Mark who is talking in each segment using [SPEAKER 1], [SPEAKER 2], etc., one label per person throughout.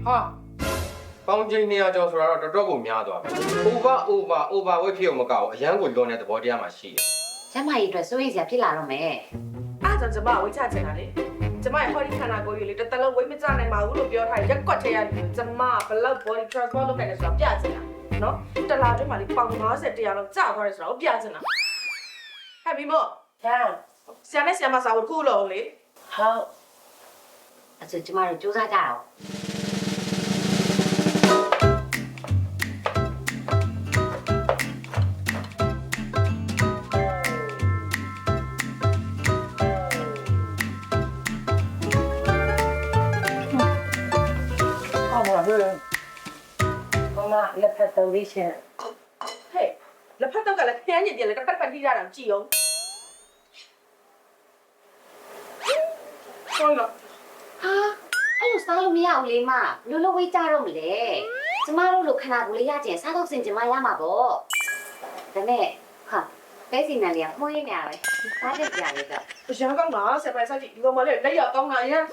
[SPEAKER 1] 哈，帮今年叫出来了，这够များသွားပြီ。over ဝက်ဖြစ်အောင်မကောက်အရန်ကိုလွန်တဲ့သဘောတရားမှရှိတယ်
[SPEAKER 2] ။ကျမကြီးအတွက်စိုးရိမ်စရာဖြစ်လာတော့မယ်
[SPEAKER 3] ။အားကြောင့်ကျမဝိချချင်တာလေ။ကျမရဲ့ body ခန္ဓာကိုယ်ကြီးလေတစ်လုံးဝိမကြနိုင်ပါဘူးလို့ပြောထားရက်ကွက်ထဲရတယ်ကျမဘလောက် body transport လုပ်ခဲ့တယ်ဆိုတော့ပြချင်တာနော်။တစ်လားတွင်းမှာလေပေါင်50 100လောက်ကြာသွားတယ်ဆိုတော့ပြချင်တာ။ဟဲ့မိမို့။ဟာ။ဆရာနဲ့ဆရာမစာဝတ်ခုလုံးလေ။ဟုတ်
[SPEAKER 2] ။အဲ့ဆိုကျမတို့စူးစမ်းကြအောင်။
[SPEAKER 3] 妈妈，လက်ဖက်သုံးလေးရှင်ဟဲ့လက်ဖက်တော့ကလည်းခန်းညစ်တယ်လေတစ်ဖက်ထိရတာကြည့်အောင်ဟုတ်လား
[SPEAKER 2] ဟာအဲ့လိုစားလို့မရဘူးလေမလိုလိုဝေးကြတော့မလဲကျမတို့လိုခဏကိုလေးရကျင်စားတော့စင်ကျမရမှာပေါ့ဒါနဲ့ဟာပဲစီနန်လေးကမှုန်းရင်းနေရပဲစားတဲ့ကြာလေးတော့
[SPEAKER 3] အရန်ကောင်းတာဆက်ပိုင်စားကြည့်ဒီကောင်မလေးလက်ရကောင်းတာရန်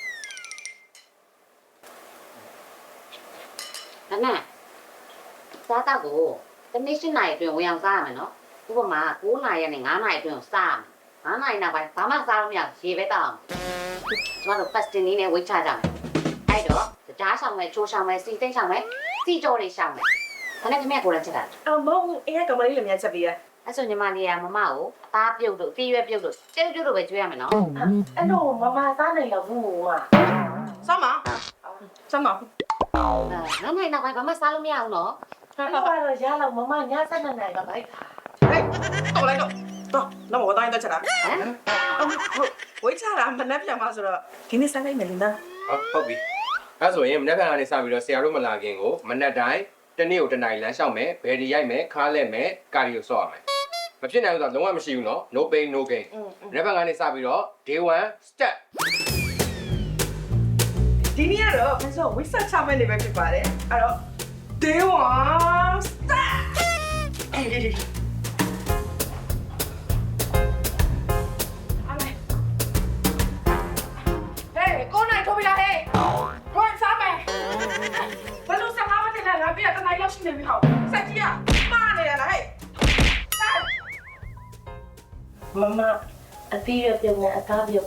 [SPEAKER 2] ဒါနဲ့စားတော့ကိုတနေ့8နာရီအတွင်းဝင်အောင်စားရမယ်နော်ဥပမာ9နာရီနဲ့9နာရီအတွင်းစား9နာရီနောက်ပိုင်းဘာမှစားလို့မရရေပဲတောင်းကျမတို့ fasting လေးနဲ့ဝိတ်ချကြမယ်အဲ့တော့ကြားဆောင်မယ်ချိုးဆောင်မယ်စီသိမ့်ဆောင်မယ်စီကြောတွေဆောင်မယ်ဒါနဲ့ခင်ဗျကိုယ်လည်းချက်တာ
[SPEAKER 3] အမုံအေးကောင်မလေးလည်းမြန်ချက်ပေးရ
[SPEAKER 2] အဲ့ဆိုညီမလေးကမမကိုသားပြုတ်တို့တီးရွက်ပြုတ်တို့ကျဲပြုတ်တို့ပဲကျွေးရမယ်နော်
[SPEAKER 3] အဲ့တော့မမစားနိုင်တော့ဘူးမစားမစားမ
[SPEAKER 2] နောက်နိုင်နောက်ပိုင်းဘာမှစားလို့မရဘူးနော်
[SPEAKER 3] အဲ့တော့ရလောက်မမညစက်နေနိုင်ပါဗိုက်ဟဲ့တော့လိုက်တော့တော့မတိုင်းတော့ချက်တာဟုတ်ဝိတ်ချတာမနှက်ပြန်ပါဆိုတော့ဒီနေ့စားလိုက်မယ်လင်းသား
[SPEAKER 1] ဟုတ်ပြီအဲဆိုရင်မနေ့ကနေစပြီးတော့ဆရာတို့မလာခင်ကိုမနေ့တိုင်းတနေ့ကိုတနားရီလမ်းလျှောက်မယ်ဘယ်ဒီရိုက်မယ်ခါးလဲမယ်ကာဒီယိုဆော့ရမယ်မဖြစ်နိုင်ဘူးဆိုတော့လုံးဝမရှိဘူးနော် no pain no gain မနေ့ကနေစပြီးတော့ day 1 step
[SPEAKER 3] ဒီနေ့ကတော့မင်းဆိုဝိဆက်ချမဲ့နေပဲဖြစ်ပါတယ်အဲ့တော့ day 1 start ကိုနိုင်ထိုးပြလာဟဲ့ကိုစားမယ်ဘယ်လိုစားမလဲငါပြတနိုင်လောက်ရှိနေပြီဟောစက်ကြီးကမှားနေရလားဟဲ့မမအတီးရပြုံးနဲ့အသားပြုံး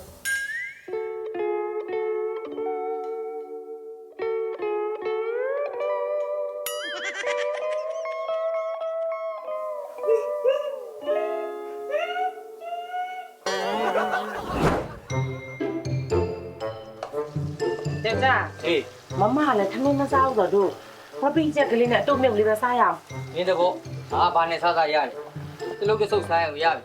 [SPEAKER 3] တဲ့จ้า
[SPEAKER 1] အေး
[SPEAKER 3] မမလည်းထမင်းမစားဘူးတော့တို့ဝပင်းချက်ကလေးနဲ့အတုတ်မြုပ်လေးပဲစားရအောင်
[SPEAKER 4] မင်းတဘောဘာနဲ့စားစားရတယ်တလုံးတဆုပ်စားရအောင်ရပြီ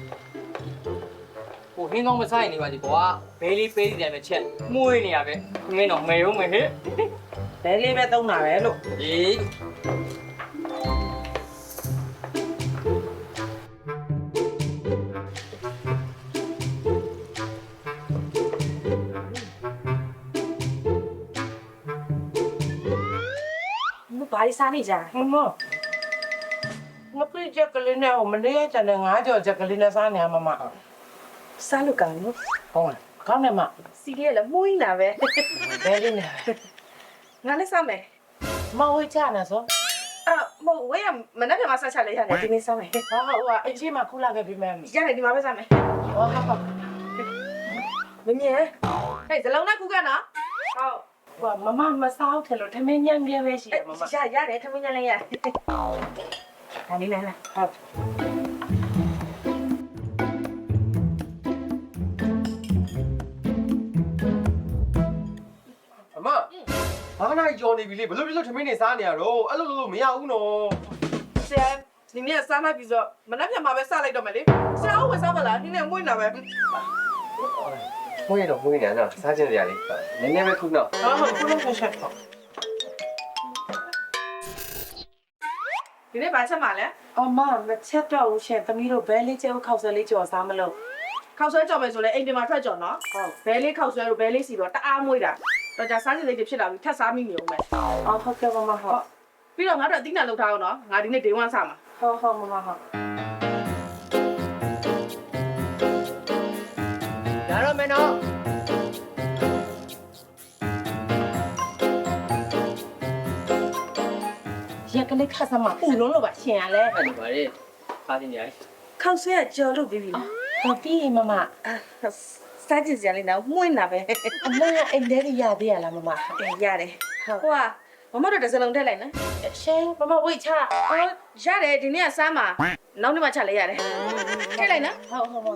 [SPEAKER 4] ဟိုဟင်းကောင်းမစားရင်နေပါဒီကွာဘဲလေးပေးနေတယ်ပဲချက်မှုေးနေရပဲမင်းတော့မယ်ရုံးမယ်ဟဲ့
[SPEAKER 3] ဘဲလေးပဲသုံးတာပဲလို့
[SPEAKER 4] အေး
[SPEAKER 3] ဘာလို့စားနေကြမငါပြည့်ချက်ကလေးနဲ့မနေ့ကကျန်တဲ့9ကြော်ချက်ကလေးနဲ့စားနေရမမစားလို့ကောင်းနော်ဟုတ်လားကောင်းတယ်မစီလေးလည်းမှုန်းနေတာပဲဘဲလေးနဲ့ငါလည်းစားမယ်မဝေးချနေဆိုမဝေးရမနေ့ကမှစားချလိုက်ရတယ်ဒီနေ့စားမယ်ဟာအချင်းမခုလာခဲ့ပြီမယ်ရတယ်ဒီမှာပဲစားမယ်ဟုတ်မမြင်ဟဲ့ဇလုံးနဲ့ခုကနော်ဟုတ်မမမစားဘူးထင်လို့ထမင်းညံ့ပြဲပဲရှိတယ်မမရတယ်ထမင်းညံ့လည်းရဒါလေးလည်းဟုတ်
[SPEAKER 1] အမဘာနိုင်ကြော်နေပြီလေဘလို့ထမင်းနေစားနေရတော့အဲ့လိုလို့မရဘူးနော်
[SPEAKER 3] ဆရာဒီနေ့စားလိုက်ပြီဆိုမနှက်ပြန်မှာပဲစားလိုက်တော့မယ်လေဆရာဝယ်စားမလားဒီနေ့မွေးနေတာပဲ
[SPEAKER 1] မွေးတော့မွေးနေနော်စားချင်စရာလေးနည်းနည်းပဲခုနော်
[SPEAKER 3] ဟုတ်ခုလုံးဆက်ဒီနေ့ဘာချက်မှာလဲအမမချက်တော့ဘူးရှင်သမီးတို့ဘဲလေးကျဲကိုခောက်ဆွဲလေးကြော်စားမလို့ခောက်ဆွဲကြော်မယ်ဆိုလဲအိမ်ပြင်မှာထွက်ကြော်နော်ဟုတ်ဘဲလေးခောက်ဆွဲတို့ဘဲလေးစီတော့တအားမွေးတာတော့ကြာစားချင်လေးတွေဖြစ်လာပြီထပ်စားမိနေဦးမယ်အော်ဟုတ်ကဲ့မမဟုတ်ပြီးတော့ငါတို့အသီးနှံလောက်ထားအောင်နော်ငါဒီနေ့ day 1စားမှာဟုတ်မမဟုတ်
[SPEAKER 4] ရတော့မယ်နော်
[SPEAKER 3] လေးခါစမ်းမပူလုံးလို့ပါရှင်ရလဲ
[SPEAKER 4] အဲ့ဒီပါလေခါတင်ကြ
[SPEAKER 3] ခောက်ဆွဲကကြော်လို့ပြီးပြီလားဟုတ်ပြီမမစားကြည့်စရာလေးတော့မှုန်းတာပဲအမေကအိမ်ထဲကြီးရသေးရလားမမရတယ်ဟုတ်ဟိုကမမတို့တစ်စလုံးထည့်လိုက်နော်ရှင်မမဝိတ်ချရတယ်ဒီနေ့ကစားမှာနောက်နေ့မှချလိုက်ရတယ်ထည့်လိုက်နော်ဟုတ်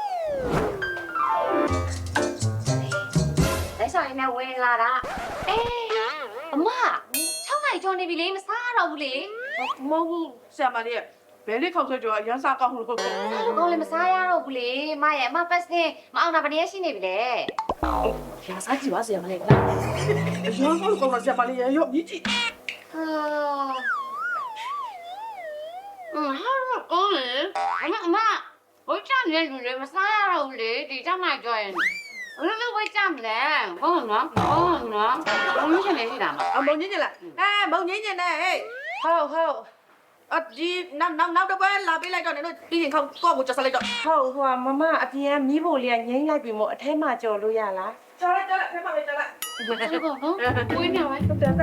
[SPEAKER 2] လက်ဆောင်ရင်းနဲ့ဝင်လာတာအေးအမ6နိုင်ကျော်နေပြီလေမစားရတော့ဘူးလေ
[SPEAKER 3] မဟုတ်ဘူးဆရာမလေးဘယ်လေးခောက်ဆွဲကြော်ရမ်းစားကောင်းလို့
[SPEAKER 2] ကောင်းလည်းမစားရတော့ဘူးလေမရဲ့အမပတ်စင်မအောင်တာဗနေရှိနေပြီလေ
[SPEAKER 3] ရစားကြည့်ပါဆရာမလေးလားရောကောင်းတော့ဆရာမလေးရောမြည်ကြည့်
[SPEAKER 2] ဟာဟာကောင်းလေအမဝိတ်ချနေလေမစားရတော့ဘူးလေဒီ6နိုင်ကျော်ရင်ဘယ်လိုဝိတ်ချမလဲဟုတ်နော်ဟုတ်နော်ဘုံရှင်နေရှိတာမ
[SPEAKER 3] အမုံညင်းညင်လားမုံညင်းညင်နဲ့ဟေးဟုတ်အဒီနောက်တော့ပဲလာပေးလိုက်တော့နင်တို့ပြီးရင်ခောက်ကော့ကိုကြော်ဆက်လိုက်တော့ဟုတ်ဟိုမမအပြင်ကမီးဖို့လေးကငိမ့်လိုက်ပြီမို့အထဲမှာကြော်လို့ရလားကြော်လိုက်အထဲမှာပဲကြော်လိုက်
[SPEAKER 2] ဒီကောနော်ဝင်းနေဝိုင်း
[SPEAKER 3] ဟုတ်တယ်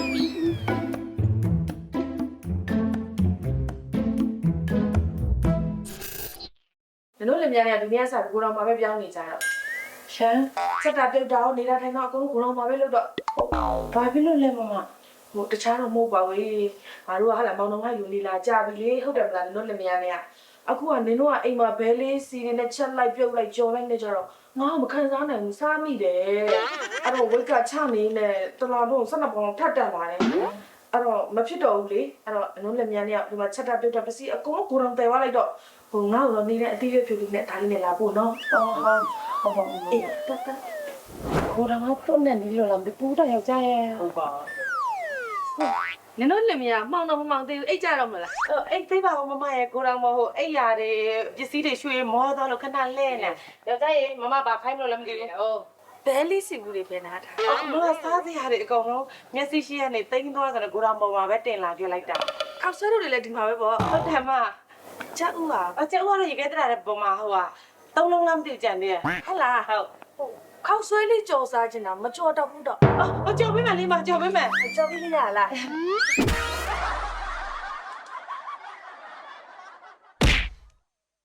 [SPEAKER 3] နင်တို့လည်းများနေဒုနီးယားစာကိုတော်မှာပဲပြောင်းနေကြတော့ရှမ်းစက်တာပြုတ်တာနေတာထိုင်တော့အကုန်ကိုတော်မှာပဲလို့တော့ဘာဖြစ်လို့လဲမမဟိုတခြားတော့မဟုတ်ပါဘူးငါတို့ကဟာလာမောင်နှမယူနေလာကြပြီလေဟုတ်တယ်မလားနင်တို့လည်းများနေအခုကနင်တို့ကအိမ်မှာဘဲလေးစီနေနဲ့ချက်လိုက်ပြုတ်လိုက်ကြော်လိုက်နေကြတော့ငါ့ကိုမခံစားနိုင်ဘူးစားမိတယ်အဲ့တော့ဝိတ်ကချနေနဲ့တလာတော့12ပေါင်ထပ်တက်သွားတယ်အဲ့တော့မဖြစ်တော့ဘူးလေအဲ့တော့အလုံးလက်များနဲ့ဒီမှာချက်တာပြုတ်တာပစီအကုန်ကိုယ်တော်တယ်သွားလိုက်တော့ဟိုငါ့ကိုတော့နေတဲ့အတီးရွက်ဖြူလေးနဲ့ဒါလေးနဲ့လာဖို့နော်ဟုတ်အေးတက်ကိုယ်တော်ကတော့နဲ့နေလို့လားမပူတော့ယောက်ျားရဲ့
[SPEAKER 4] ဟုတ်ပါ
[SPEAKER 3] နင်တို့လင်မယားမှောင်တော့မမှောင်သေးဘူးအိတ်ကြတော့မလားအိတ်သေးပါဦးမမရဲ့ကိုတော်မဟုတ်အိတ်ရတယ်ပစ္စည်းတွေရွှေမောသွားလို့ခဏလဲနေယောက်ျားရဲ့မမဘာခိုင်းမလို့လည်းမသိဘူးဟုတ်ဘဲလေးစီဘူးတွေပဲနားထားမမစားစရာတွေအကုန်လုံးမျက်စိရှိရနေတိန်းသွားဆိုတော့ကိုတော်ပေါ်မှာပဲတင်လာပြလိုက်တာခောက်ဆွဲတို့တွေလည်းဒီမှာပဲပေါ့ဟုတ်တယ်မကျက်ဦးဟာကျက်ဦးကတော့ရေခဲတရာတဲ့ပုံမှာဟိုဟာ3လုံးလားမသိကြံသေးရဲ့ဟုတ်လားဟုတ်ခောက်ဆွဲလေးကြော်စားချင်တာမကြော်တော့ဘူးတော့အော်ကြော်ပေးမယ်လေးမကြော်ပေးမယ်ကြော်ပေးရလား